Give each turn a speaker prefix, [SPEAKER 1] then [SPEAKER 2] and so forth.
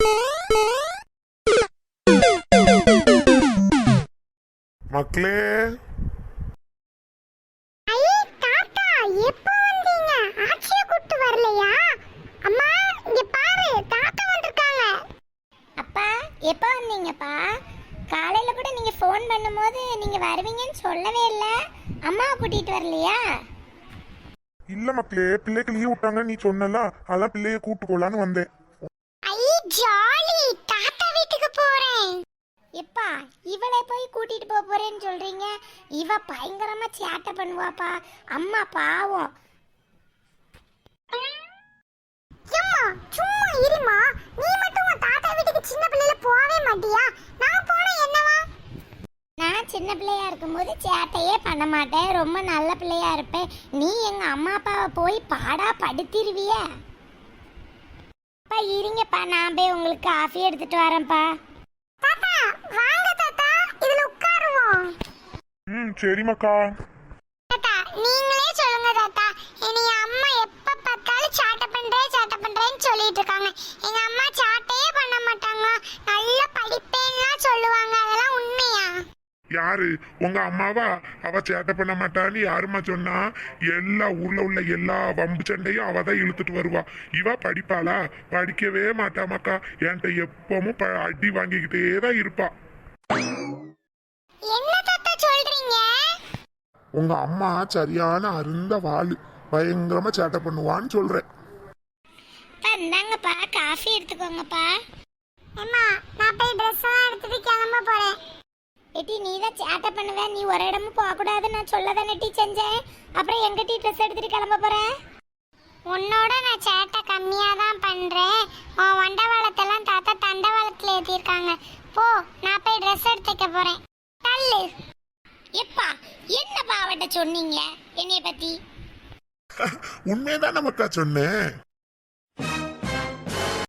[SPEAKER 1] மக்களே,
[SPEAKER 2] எப்போ வந்தீங்கப்பா? காலையில கூட நீங்க ஃபோன் பண்ணும்போது நீங்க வருவீங்கன்னு சொல்லவே இல்லை. அம்மாவை கூட்டிட்டு வரலையா?
[SPEAKER 1] இல்ல மக்களே, பிள்ளைக்கு லீவ் விட்டாங்க, நீ சொன்னல, அதான் பிள்ளைய கூட்டு போலான்னு வந்தேன்.
[SPEAKER 2] ஐ ஜாலி, தாத்தா வீட்டுக்கு போறேன். எப்பா இவளை போய் கூட்டிட்டு போறேன்னு சொல்றீங்க? இவ பயங்கரமா சேட்டை பண்ணுவாப்பா. அம்மா பாவம். சும்மா இருமா, நீ மட்டும் உன் தாத்தா வீட்டுக்கு சின்ன பிள்ளைல போவே மாட்டியா? நான் போனா என்னவா? நான் சின்ன பிள்ளையா இருக்கும்போது சேட்டையே பண்ண மாட்டேன், ரொம்ப நல்ல பிள்ளையா இருப்பேன். நீ எங்க அம்மா அப்பாவை போய் பாடா படுத்திருவிய. அப்பா இருங்கப்பா, நான் போய் உங்களுக்கு காஃபி எடுத்துட்டு வரேன்ப்பா. தாத்தா வாங்க தாத்தா, இதுல உட்காருவோம்.
[SPEAKER 1] சரிமாக்கா.
[SPEAKER 2] தாத்தா நீங்களே சொல்லுங்க தாத்தா, இனி அம்மா எப்ப பார்த்தாலும் சேட்டை பண்றேன்னு சொல்லிட்டு இருக்காங்க. எங்க அம்மா சேட்டையே பண்ண மாட்டாங்க, நல்ல படிப்பேன்னா சொல்லுவாங்க. அதெல்லாம் உண்மையா?
[SPEAKER 1] யாரு உங்க அம்மாவா? அவ சேட்டை பண்ண மாட்டான்னு யாருமா சொன்னா? எல்லா ஊர்ல உள்ள எல்லா வம்பு சண்டையும் அவதான் இழுத்துட்டு வருவா. இவ படிப்பாளா? படிக்கவே மாட்டாமாக்கா. என்கிட்ட எப்பவும் அடி வாங்கிக்கிட்டே தான் இருப்பா.
[SPEAKER 2] என்ன தாத்தா சொல்றீங்க?
[SPEAKER 1] உங்க அம்மா சரியான அருந்த வாளு, பயங்கரமா சேட்டை பண்ணுவான்னு சொல்றேன்.
[SPEAKER 2] இந்தாங்கப்பா காஃபி எடுத்துக்கோங்கப்பா. அம்மா நான் போய் ட்ரெஸ் எல்லாம் எடுத்துட்டு கிளம்ப போறேன். ஏட்டி நீ தான் சேட்டை பண்ணுவ, நீ ஒரு இடமும் போக கூடாது நான் சொல்லதானே டீ செஞ்சேன். அப்புறம் எங்க டீ ட்ரெஸ் எடுத்துட்டு கிளம்ப போறேன்? உன்னோட நான் சேட்டை கம்மியா தான் பண்றேன். உன் வண்டவாளத்தெல்லாம் தாத்தா தண்டவாளத்துல ஏத்திருக்காங்க. போ, நான் போய் ட்ரெஸ் எடுத்துக்க போறேன். தள்ளு. எப்பா என்னப்பா அவட்ட சொன்னீங்க என்னைய பத்தி?
[SPEAKER 1] உண்மையதான் நமக்கா சொன்னேன்.